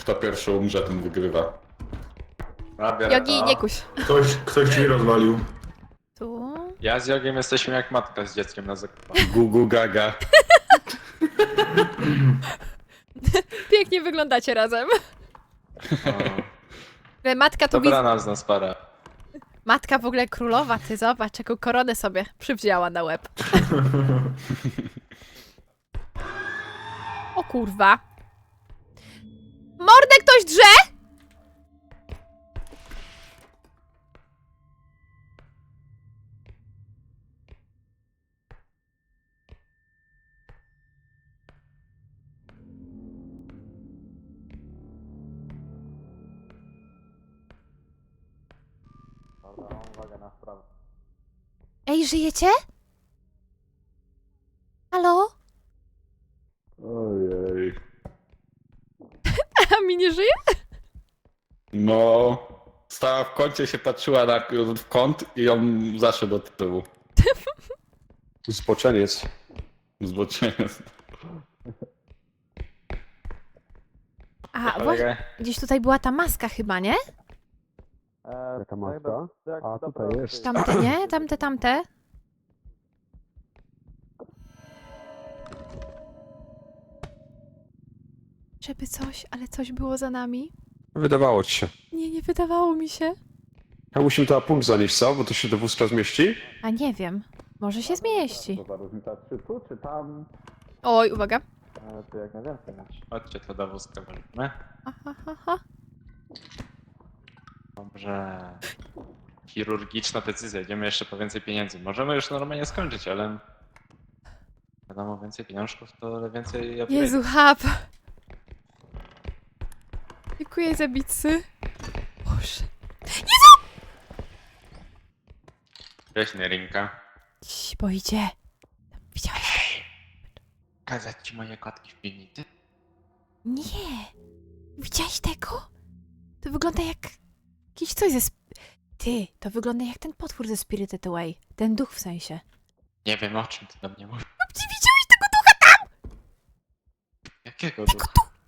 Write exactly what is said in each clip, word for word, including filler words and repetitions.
Kto pierwszy umrze, ten wygrywa. Jogi, nie kuś. Ktoś, ktoś drzwi rozwalił. Tu. Ja z Jogiem jesteśmy jak matka z dzieckiem na zakupach. Gugu gaga. Pięknie wyglądacie razem. O, Matka tu widz... dobrana z nas para. Matka w ogóle królowa, ty zobacz, jaką koronę sobie przywdziała na łeb. O kurwa. Mordę ktoś drze? Dobra, uwaga na sprawę. Ej, żyjecie? Halo? Ojej. A mi nie żyje? No... Stała w kącie, się patrzyła na, w kąt i on zaszedł od tyłu. Zboczeniec. Zboczenie. A, właśnie, gdzieś tutaj była ta maska chyba, nie? Jaka maska? A tutaj jest. Tamte, nie? Tamte, tamte. Żeby coś, ale coś było za nami. Wydawało ci się. Nie, nie wydawało mi się. Ja musimy to na punkt zanieść, co? Bo to się do wózka zmieści? A nie wiem. Może się zmieści. To za różnica, czy tu, czy tam? Oj, uwaga. Ale to jak najwięcej masz. Chodźcie to do wózka walimy. Aha, aha. Dobrze. Chirurgiczna decyzja, idziemy jeszcze po więcej pieniędzy. Możemy już normalnie skończyć, ale... Wiadomo, więcej pieniążków to więcej... upgrade'ów. Jezu, hap. Dziękuję za bicy. Boże. Cześć, Nerinka. Cii, bo idzie. Widziałeś? Kazać ci moje kotki w piwnicy? Nie. Widziałeś tego? To wygląda jak... Jakiś coś ze... Sp... Ty, to wygląda jak ten potwór ze Spirited Away. Ten duch w sensie. Nie wiem, o czym ty do mnie mówisz. Ty widziałeś tego ducha? Jakiego ducha?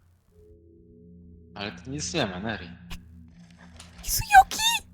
Ale tu nic nie ma, Neri. Jezu, Joki!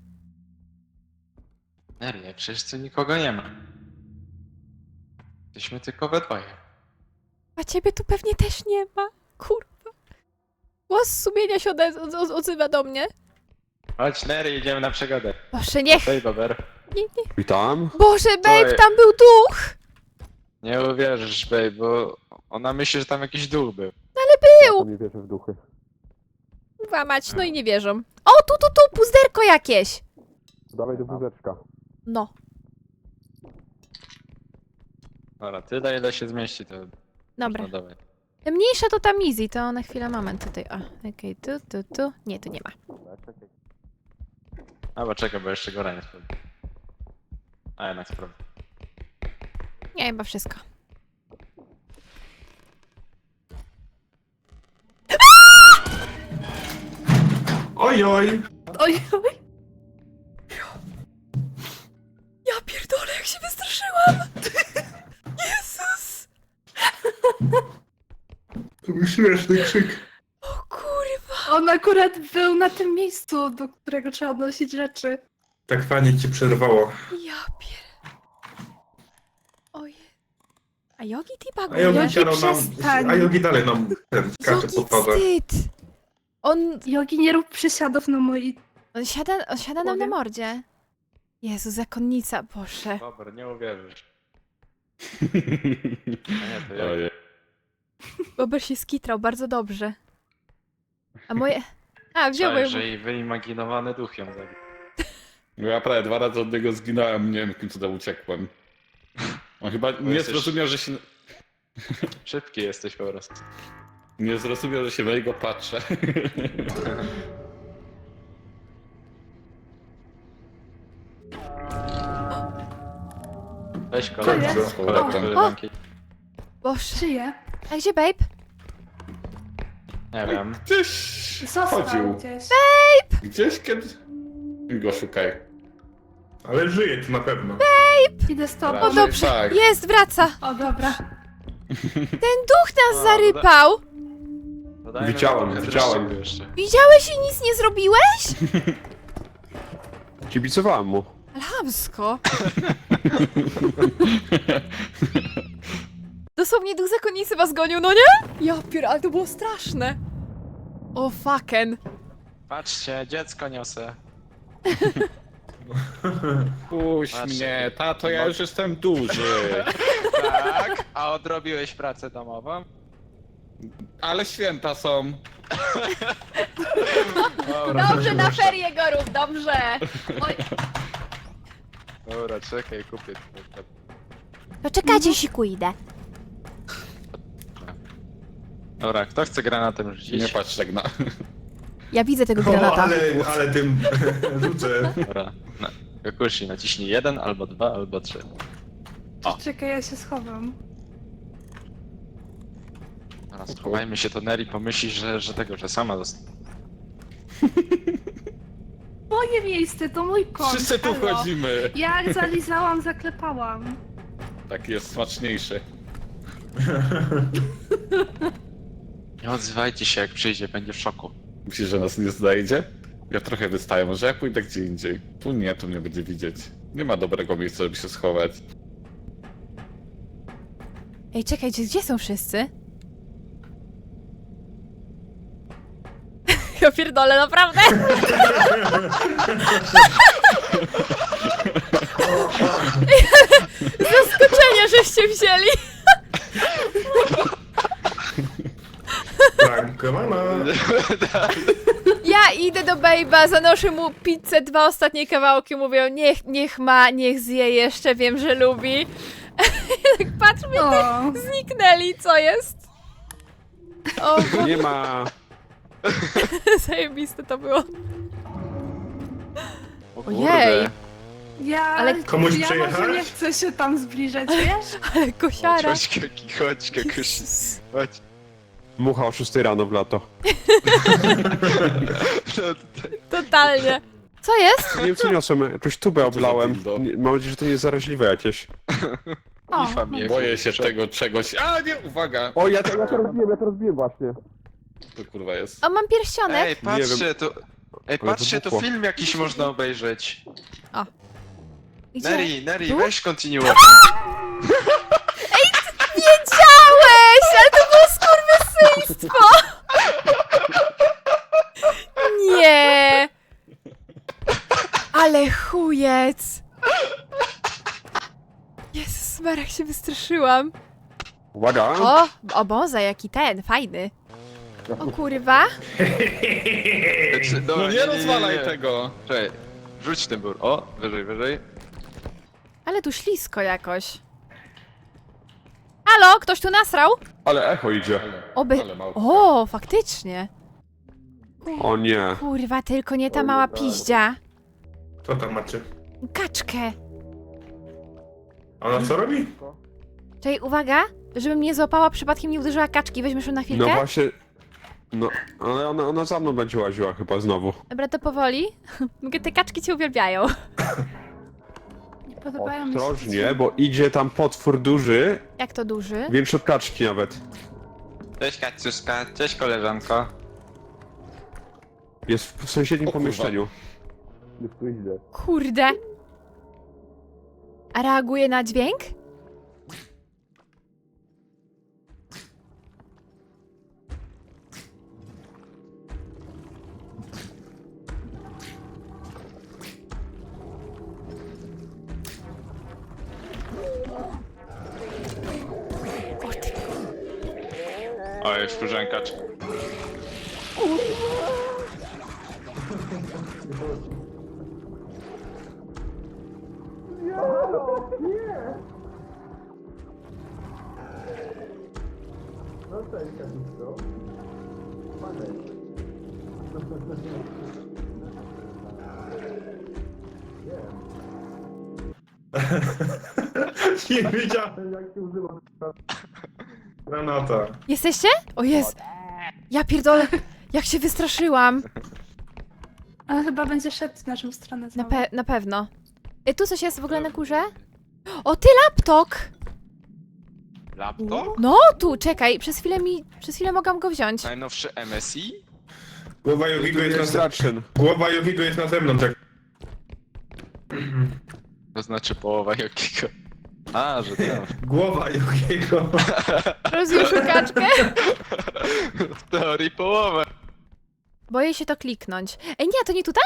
Neri, przecież tu nikogo nie ma. Jesteśmy tylko we dwoje. A ciebie tu pewnie też nie ma. Kurwa. Głos sumienia się ode- od- od- odzywa do mnie. Chodź, Neri, idziemy na przygodę. Boże, niech... Hej, Bober. Nie, nie. Witam. Boże, babe, Oj. tam był duch! Nie uwierzysz, babe, bo ona myśli, że tam jakiś duch był. Ja to nie wierzę w duchy. Kurwa mać, no i nie wierzą. O, tu, tu, tu, puzderko jakieś! Dawaj do wózeczka. No, Dobra, tyle ile się zmieści, to dobra. no dawaj. Mniejsza to tam easy, to na chwilę moment tutaj. O, okej, tu, tu, tu. Nie, tu nie ma. A bo czekaj, bo jeszcze góra nie sprawdzę. A jednak sprawdzę. Nie, chyba wszystko. Oj, oj. Oj, oj. Ja pierdolę, jak się wystraszyłam! Jezus! To był śmieszny krzyk. O kurwa! On akurat był na tym miejscu, do którego trzeba odnosić rzeczy. Tak fajnie cię przerwało. Ja pier... Ojej. A Jogi Tiba A Jogi, Jogi siano nam, przestań. a Jogi dalej nam ten skacze Jaki po twarzy. wstyd! On, Jogi, nie rób przysiadów na moi... on siada, on siada nam na Powiem. mordzie. Jezu, zakonnica, Boże. Dobra, nie uwierzysz. A nie, to ja. Ojej. Bober się skitrał bardzo dobrze. A moje... A, wziął moje... że i wyimaginowany duch ją zabił. No ja prawie dwa razy od niego zginąłem, nie wiem jakim cudem uciekłem. On chyba nie jesteś- zrozumiał, że się... Szybki jesteś po prostu. Nie zrozumiał, że się na niego patrzę. Weź kolego, jest? kolego, O, koleżanki. Boże. Żyje. A gdzie babe? Nie wiem. Gdzieś Został chodził. gdzieś. Gdzieś kiedy... Go szukaj. Ale żyje tu na pewno. Idę z tobą. O Raczej dobrze, tak. jest, wraca. O, dobra. Ten duch nas O, zarypał. To Dodajmy Widziałem, trochę widziałem. dreszczyku jeszcze. Widziałeś i nic nie zrobiłeś? Kibicowałem mu. Alhamsko. Dosłownie duch zakonnicy was gonił, no nie? Ja pier, ale to było straszne. O fucken. Patrzcie, dziecko niosę. Puść Patrzcie. mnie, tato, ja już jestem duży. Tak, a odrobiłeś pracę domową? Ale święta są. Dobra, Dobrze, na ferie go rób, dobrze. Oj. Dobra, czekaj, kupię. No czekajcie, siku idę. Dobra, kto chce granatem rzucić? Nie patrz tak na... Ja widzę tego O, granata. ale, ale tym rzucę. Dobra, na, Kakushi, naciśnij jeden, albo dwa, albo trzy. O. Czekaj, ja się schowam. Teraz schowajmy się, to Neri pomyśli, że, że tego, że sama została. Moje miejsce, to mój kąt. Wszyscy tu halo. wchodzimy. Jak zalizałam, zaklepałam. Tak jest smaczniejszy. Nie odzywajcie się, jak przyjdzie, będzie w szoku. Myślisz, że nas nie znajdzie? Ja trochę wystaję, może ja pójdę gdzie indziej. Tu nie, tu mnie będzie widzieć. Nie ma dobrego miejsca, żeby się schować. Ej, czekajcie, gdzie są wszyscy? Ja pierdolę, naprawdę? Zaskoczenie, żeście wzięli. Franka mama. Ja idę do Bejba, zanoszę mu pizzę, dwa ostatnie kawałki, mówię, niech, niech ma, niech zje jeszcze, wiem, że lubi. Tak patrz, mnie O, zniknęli, co jest? O, bo... Nie ma... zajebiste to było. O Ojej. ja, Ale komuś ja przejechać? może nie chcę się tam zbliżać, wiesz? Ale kosiara. Chodź, Kaki, chodź, Kakushi. Chodź. Mucha o szóstej rano w lato. Totalnie. Co jest? Nie wiem co niosłem, jakąś tubę za oblałem. dildo? Nie- Mam nadzieję, że to nie jest zaraźliwe jakieś. O, Ifa mnie Boję się kurczę. tego czegoś. A nie, uwaga! O, ja to, ja to rozbiłem, ja to rozbiłem właśnie. To kurwa jest. O, mam pierścionek. Ej, patrzcie, tu... Ej, Ale patrzcie, tu wybuchło. film jakiś można obejrzeć. Gdzie? Neri, Neri, Tu? weź kontynuuj. Wiedziałeś! Ale to było skurwysyństwo! Nie! Ale chujec! Jezus, jak się wystraszyłam. Uwaga. O, oboza, jaki ten, fajny. O kurwa. No nie rozwalaj tego! Czekaj, rzuć ten bur. O, wyżej, wyżej. Ale tu ślisko jakoś. Halo, ktoś tu nasrał? Ale echo idzie. Oby... Ale mało. O, faktycznie. O nie. Kurwa, tylko nie ta mała piździa. Co tam macie? Kaczkę. A ona co robi? Czekaj, uwaga, żebym nie złapała, przypadkiem nie uderzyła kaczki. Weźmiesz ją na chwilkę? No właśnie... No, ale ona, ona za mną będzie łaziła chyba znowu. Dobra, to powoli. Te kaczki cię uwielbiają. Nie podobają mi się. Ostrożnie, bo idzie tam potwór duży, Jak to duży? większy od kaczki nawet. Cześć Kaciuszka, cześć koleżanko. Jest w sąsiednim O kurwa. pomieszczeniu. Już tu idzie. Kurde. A reaguje na dźwięk? Oj, wkurzękacz. Nie wiedziałem jak się używa granata. Jesteście? O jest. Ja pierdolę. Jak się wystraszyłam. Ale chyba będzie szedł w naszą stronę Na, znowu. pe na pewno. Y, tu coś jest w ogóle na górze? O, ty laptop! Laptop? No, tu, czekaj, przez chwilę mi, przez chwilę mogłam go wziąć. Najnowszy M S I? Głowa Tu Jogiego jest, jest na... Ratchen. Głowa Jogiego jest na zewnątrz. Jak... To znaczy połowa jakiego? A, że tam. Głowa Jogiego. Rozjuszył kaczkę? W teorii połowę. Boję się to kliknąć. Ej, nie, to nie tutaj?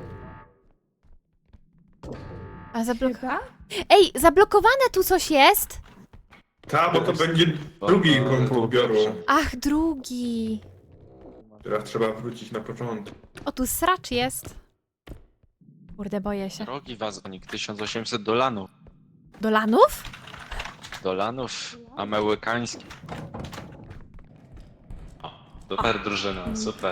A zablok... Chyba? Ej, zablokowane tu coś jest? Ta, bo to będzie drugi punkt odbioru. Ach, drugi. Teraz trzeba wrócić na początek. O, tu sracz jest. Kurde, boję się. Drogi wazonik, tysiąc osiemset dolanów. Dolanów? Dolanów amerykańskich. O, super drużyna, super.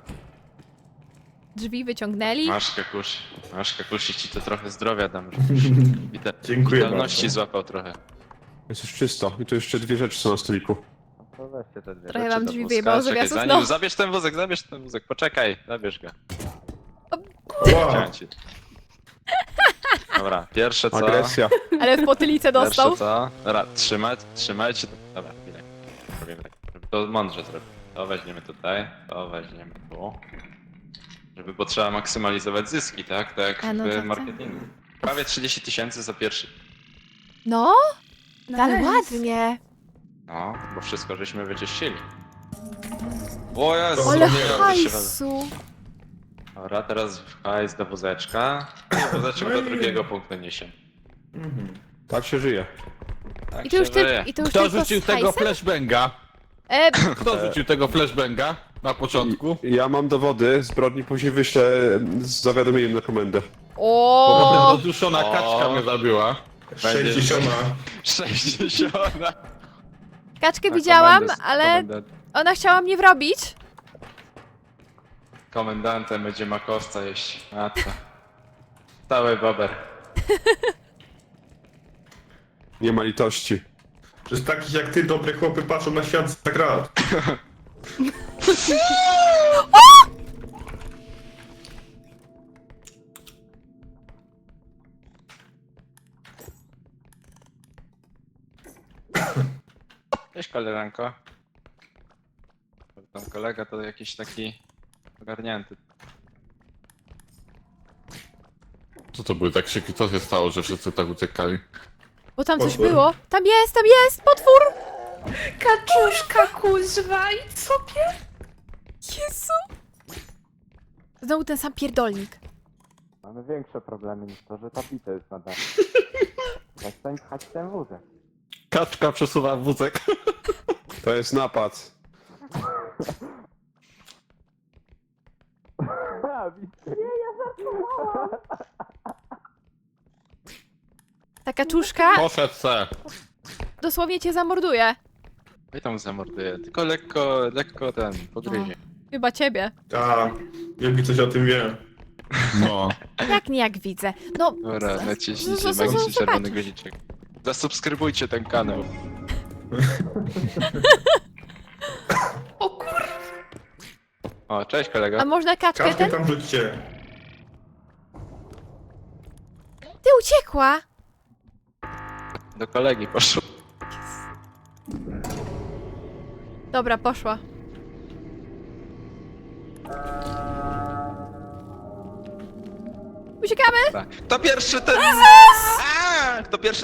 Drzwi wyciągnęli. Masz kakusz, masz kakusz i ci to trochę zdrowia dam, żebyś wita- Dziękuję witalności bardzo. złapał trochę. Jest już czysto. I tu jeszcze dwie rzeczy są na stoliku. To weźcie te dwie Trochę rzeczy wam do drzwi wózka. wyjebało z Czekaj, zawiasów, zanim- no. Zabierz ten wózek, zabierz ten wózek, poczekaj, zabierz go. Wow. Chciałem ci. Dobra, pierwsze co... Agresja. Ale w potylicę dostał. Pierwsze co? Dobra, trzymać, trzymajcie. Dobra, chwilę. Robimy tak, żeby to mądrze zrobić. To weźmiemy tutaj, to weźmiemy tu. Żeby, bo trzeba maksymalizować zyski, tak? Tak A, no w tak, tak. marketingu. Prawie trzydzieści tysięcy za pierwszy. No, ale Nice. ładnie. No, bo wszystko żeśmy wyczyścili. O Jezu, Ale nie wiem, że się wezmę. hajsu. Dobra, teraz w hajs do wózeczka. I wózeczek do drugiego punktu niesie. Mhm. Tak się żyje. Tak I to już, się ty, żyje. i to już Kto tylko rzucił z tego hajsem? flashbanga? E, Kto rzucił tego flashbanga na początku? Ja mam dowody zbrodni, później wyślę z zawiadomieniem na komendę. o, Rozduszona O. kaczka mnie zabiła. Sześćdziesiąta. sześćdziesiąt. kaczkę Na widziałam, komendę- ale komendant- ona chciała mnie wrobić. Komendantem będzie makowca jeść. A to. Cały bober. Nie ma litości. Przez takich jak ty, dobre chłopy patrzą na świat za grat. Cześć koleżanko. Tam kolega to jakiś taki ogarnięty. Co to były te krzyki? Co się stało, że wszyscy tak uciekali? Bo tam coś Potwór. było. Tam jest, tam jest, potwór! Kaczuszka kuźwa i sobie? Jezu! Znowu ten sam pierdolnik. Mamy większe problemy niż to, że ta pizza jest na dole. Przestań pchać ten wózek. Kaczka przesuwa wózek. To jest napad. Ta kaczuszka Poszedł se. dosłownie cię zamorduje. I tam zamorduję. Tylko lekko, lekko ten, pogryzie. Chyba ciebie. Ta, Jogi coś o tym wie. No. Jak nie, jak widzę. No, Dobra, z- naciśnijcie z- z- z- magiczny z- czerwony zobacz. guziczek. Zasubskrybujcie ten kanał. O kur... O, cześć kolego. A można kaczkę Kaczkę ten? tam rzućcie. Ty uciekła! Do kolegi poszło. Dobra, poszła. Uciekamy! Dobra. Kto pierwszy ten... A, Kto pierwszy...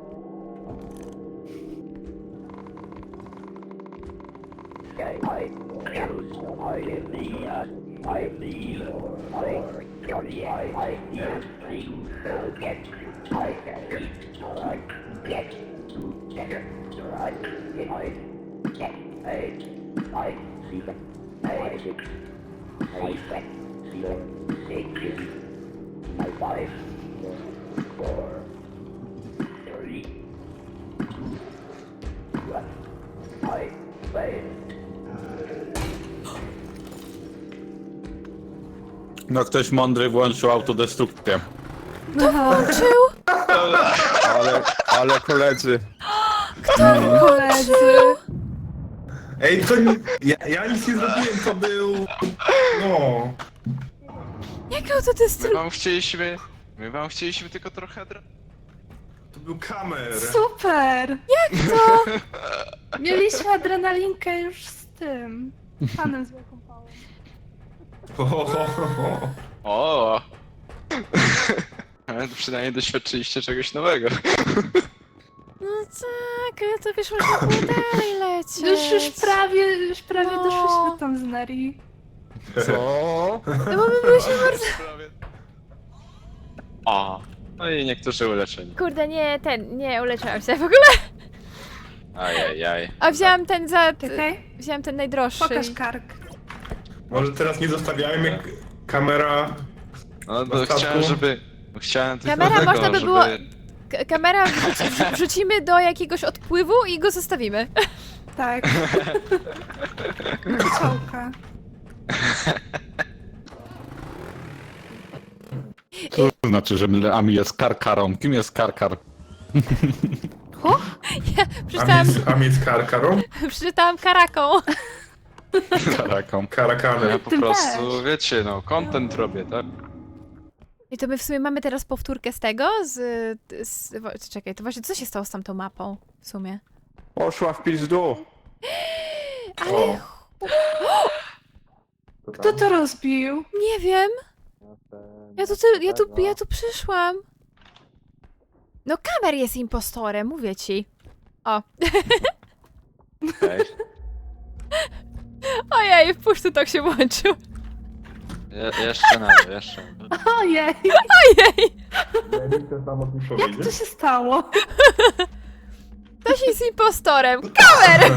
No ktoś mądry włączył autodestrukcję. Włączył! Ale, ale koledzy. Koledzy. Ej, to nie... Ja, ja nic nie zrobiłem, to był... No... Jak My autodestrukcja? wam chcieliśmy... My wam chcieliśmy tylko trochę... dra- To był kamer. Super! Jak to? Mieliśmy adrenalinkę już z tym. Panem z wielką pałą. Ho, ho, ho, ho. O! Ale to przynajmniej doświadczyliście czegoś nowego. No tak, ale to wiesz, można było dalej lecieć. Już, już prawie, już prawie No. doszliśmy tam z Neri. Co? No bo my byliśmy bardzo... O! No i niektórzy uleczeni. Kurde, nie, ten, nie, uleczyłam się w ogóle. Ajajaj. A wzięłam ten za... Czekaj, Wzięłam ten najdroższy. pokaż kark. Może teraz nie zostawiajmy k- kamera. No Na to statku? chciałem, żeby... Chciałem tylko Kamera tego, można by żeby... było- K- kamera wrzuci, wrzu- wrzucimy do jakiegoś odpływu i go zostawimy. Tak. Czołka. To znaczy, że Ami jest karkarą. Kim jest karkar? Ja A przeczytałam, mieć, a mieć karkarą? przeczytałam karaką. Karaką. Ja Karakanem. po Tym prostu, też. wiecie, no, content robię, tak? I to my w sumie mamy teraz powtórkę z tego, z... z wo- czekaj, to właśnie co się stało z tamtą mapą w sumie? Poszła w pizdu. O. Kto to rozbił? Nie wiem. Ja tu, ty, ja tu, ja tu przyszłam. No kamer jest impostorem, mówię ci. O. Okej. Ojej, wpuść tu tak się włączył. Je, jeszcze na to, jeszcze na to. Ojej, Ojej, jak to się stało? ktoś jest impostorem. Kamer!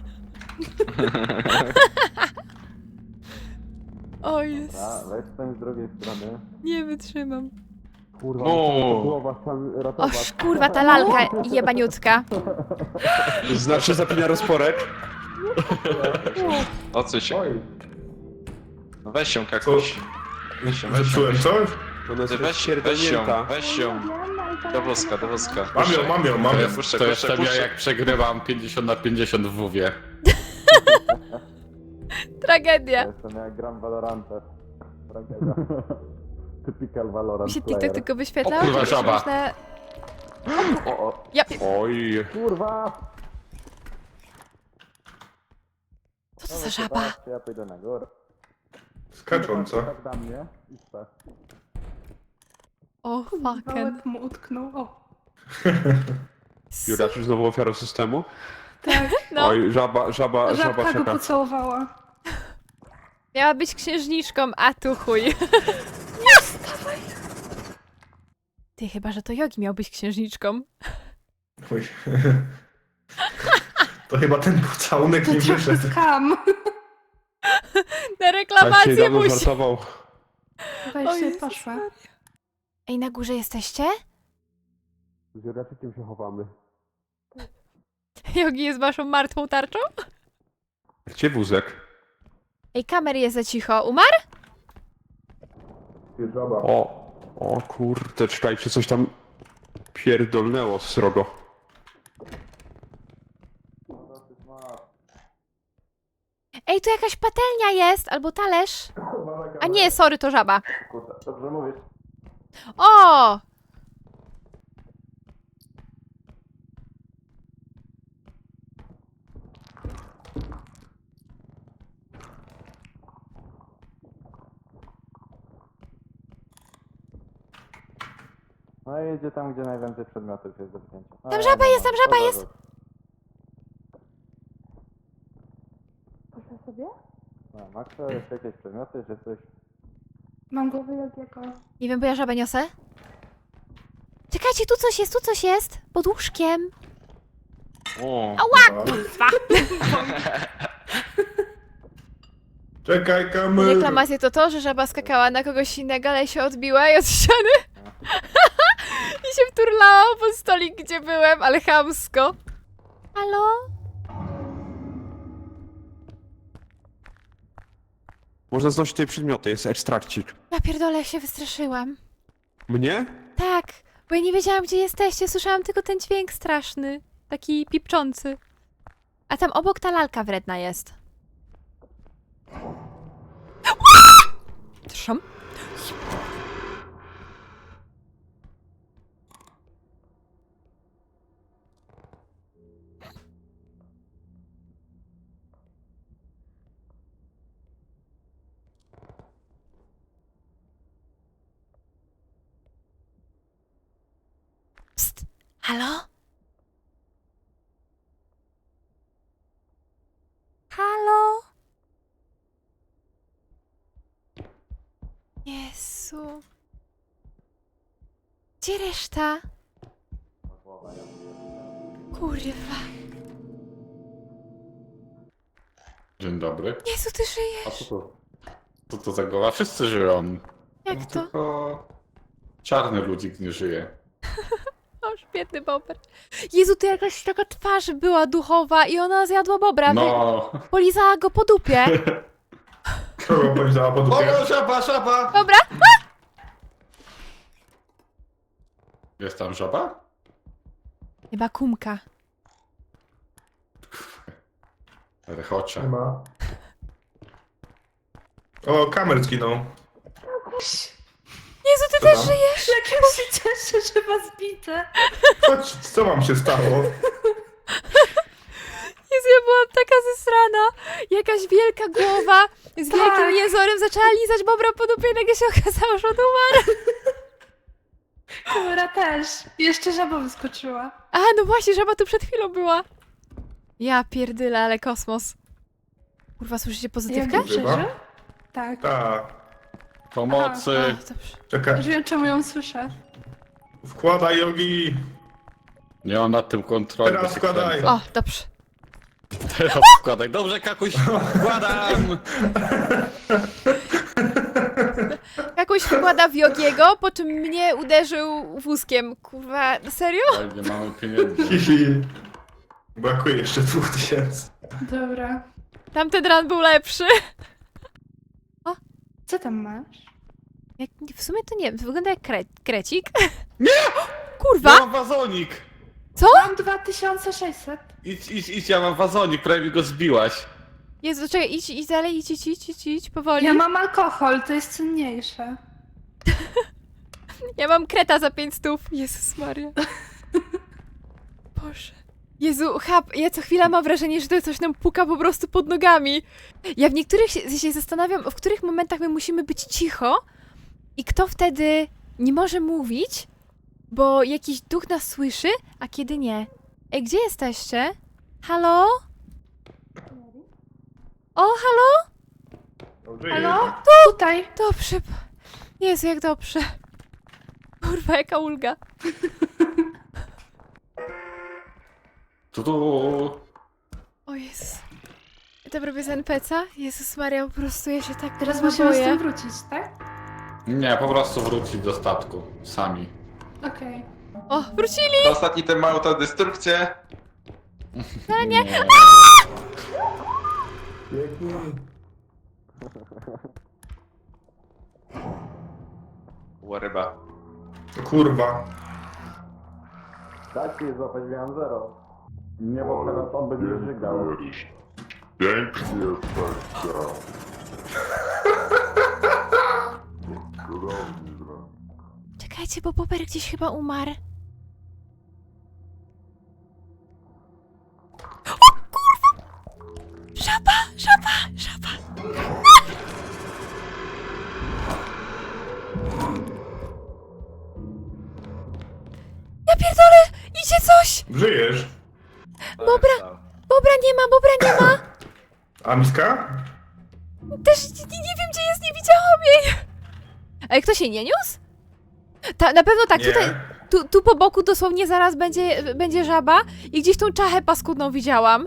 O jest. weź ten z drugiej strony. Nie wytrzymam. Kurwa, No. głowa tam O ratować. kurwa, ta lalka jebaniutka. Znaczy zapina rozporek. O co się? Oj, No weź ją kakuś. Weź ją, weź ją. zepsułem coś? Ona Ty jest weź, weź ją, pierdolnięta. weź ją. Do woska, do woska. Mam ją, mam ją, mam To ją. jest, puszczę, to puszczę, jestem ja, puszczę. jak przegrywam pięćdziesiąt na pięćdziesiąt w WoWie. Tragedia. Jestem jak gram Valorantę. Typical Valorant Mi się TikTok tylko wyświetlał. O kurwa, czy żaba. Można... O, o. Ja... Oj. Kurwa. Co to za żaba? Ja pójdę na górę. Skacząca. Tak da mnie. I tak. O fucking. Wałek mu utknął. O, Jura, czy znowu ofiarą systemu? tak. No, Oj, żaba, żaba, żaba Żabka go czeka. pocałowała. miała być księżniczką, a tu chuj. Ty, chyba, że to Jogi miał być księżniczką. Oj. To chyba ten pocałunek To nie trochę wyszedł. skam. Na A się reklamację dawno musi. żartował. Weź O się Jezus poszła. Ej, na górze jesteście? Z Juraczykiem się chowamy. Jogi jest waszą martwą tarczą? Gdzie wózek? Ej, kamer jest za cicho. Umarł? Żaba. O, o kurde, czekajcie, coś tam pierdolnęło srogo. Ej, tu jakaś patelnia jest, albo talerz. A nie, sorry, to żaba. Dobrze mówisz. O! No i jedzie tam, gdzie najwięcej przedmiotów jest do wzięcia. No, Tam żaba jest, tam żaba to jest. zaraz. Poszła sobie? No, Maxa, jeszcze jakieś przedmioty, czy coś? Mam głowę jak jako... Nie wiem, bo ja żabę niosę. Czekajcie, tu coś jest, tu coś jest. Pod łóżkiem. O, Ała, kurwa. Czekaj, kamer. Reklamacje to to, że żaba skakała na kogoś innego, ale się odbiła i od ściany. I się wturlała pod stolik, gdzie byłem, ale chamsko. Halo? Można znosić tutaj przedmioty, jest ekstrakcik. Ja pierdolę, jak się wystraszyłam. Mnie? Tak, bo ja nie wiedziałam, gdzie jesteście. Słyszałam tylko ten dźwięk straszny. Taki pipczący. A tam obok ta lalka wredna jest. Trzam. Halo? Halo? Jezu. Gdzie reszta? Kurwa. Dzień dobry. Jezu, ty A żyjesz. co to? Co to za głowa? Wszyscy żyją. Jak No to? Tylko czarny ludzik nie żyje. O, biedny bober. Jezu, to jakaś taka twarz była duchowa i ona zjadła bobra. No. Polizała go po dupie. Kogo powiedziała po dupie? O, żaba, żaba! Dobra. Jest tam żaba? Chyba kumka. Rechocza. Nie ma. O, kamer zginął. Jezu, ty Co też tam? żyjesz? Jak ja się cieszę, że was widzę. Chodź, co wam się stało? Jezu, ja byłam taka zesrana. Jakaś wielka głowa z Tak. wielkim jezorem zaczęła lizać bobra po dupie i nagle się okazało, że on umarł. Dobra też. Jeszcze żaba wyskoczyła. A, no właśnie, żaba tu przed chwilą była. Ja pierdylę, ale kosmos. Kurwa, słyszycie pozytywkę? Jak przeżył? Tak. Tak. Pomocy! O, dobrze. Czekaj. Już wiem, czemu ją słyszę. Wkładaj jogi. Nie mam nad tym kontroli. Teraz bo się wkładaj. kręcę. O, dobrze. Teraz wkładaj. Dobrze, kakuś, wkładam! Jakoś wkłada w Jogiego, po czym mnie uderzył wózkiem. Kurwa, serio? Oj, nie mamy pieniędzy. Hihi. Brakuje jeszcze dwóch tysięcy. Dobra. Tamten ran był lepszy. Co tam masz? Jak, w sumie to nie wiem, wygląda jak kre, krecik. Nie! Kurwa! Ja mam wazonik! Co? Mam dwa tysiące sześćset. Idź, idź, idź, ja mam wazonik, prawie mi go zbiłaś. Jezu, czekaj, idź, idź dalej, idź, idź, idź, idź, idź, powoli. Ja mam alkohol, to jest cenniejsze. Ja mam kreta za pięć stów. Jezus Maria. Boże. Jezu, chap, ja co chwila mam wrażenie, że to coś nam puka po prostu pod nogami. Ja w niektórych się, się zastanawiam, w których momentach my musimy być cicho i kto wtedy nie może mówić, bo jakiś duch nas słyszy, a kiedy nie. Ej, gdzie jesteście? Halo? O, halo? Halo? Tutaj. Dobrze. Jezu, jak dobrze. Kurwa, jaka ulga. Tu, tu. O Jezus. To robię z en pe ce a? Jezus Maria, po prostu ja się tak Teraz kurwa musimy z boję. tym wrócić, tak? Nie, po prostu wrócić do statku. Sami. Okej. O, wrócili! Ostatni ten ma autodestrukcję. No nie. Nie. Ła ryba. Kurwa. Tak, jest złapać, miałem zero. Nie, bo teraz on będzie żygał. Pięknie tak, Czekajcie, bo Bober gdzieś chyba umarł. O kurwa! Żaba, żaba, żaba! Ja pierdolę! Idzie coś! Żyjesz? Dobra. Bobra nie ma, Bobra nie ma! A miska? Też nie, nie wiem, gdzie jest, nie widziałam jej! Ale kto się nie niósł? Ta, na pewno tak, Nie. tutaj, tu, tu po boku dosłownie zaraz będzie, będzie żaba i gdzieś tą czachę paskudną widziałam.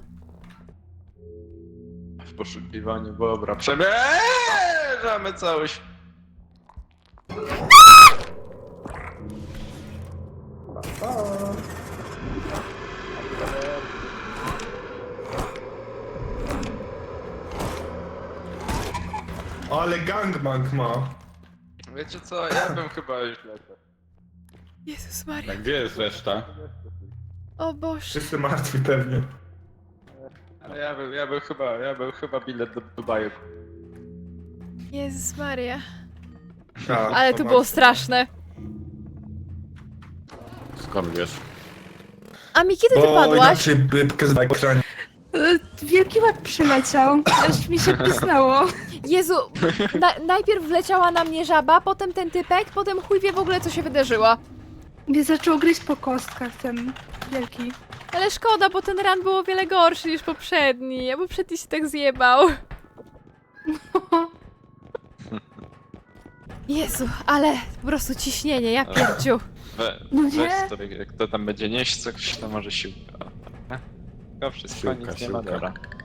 W poszukiwaniu bobra. Przemierzamy całość. Ale gangbang ma. Wiecie co, ja bym chyba już lecę. Jezus A Maria. gdzie jest reszta? O Boże. Wszyscy martwi pewnie. Ale ja bym, ja bym chyba, ja bym chyba bilet do Dubaju. Jezus Maria. Tak, Ale to było straszne. Skąd wiesz? A mi kiedy ty Bo padłaś? inaczej by pokazał ekranie. Y, Wielki łeb przyleciał, aż mi się pisnęło. Jezu, na, najpierw wleciała na mnie żaba, potem ten typek, potem chuj wie w ogóle co się wydarzyło. Mnie zaczął gryźć po kostkach ten wielki. Ale szkoda, bo ten run był o wiele gorszy niż poprzedni, a poprzedni się tak zjebał. Jezu, ale po prostu ciśnienie, ja pierdziu. We, No weź nie. sobie, jak kto tam będzie nieść coś, to może siłka. Tylko wszystko, Siłka, nic nie siłka. ma, dobra.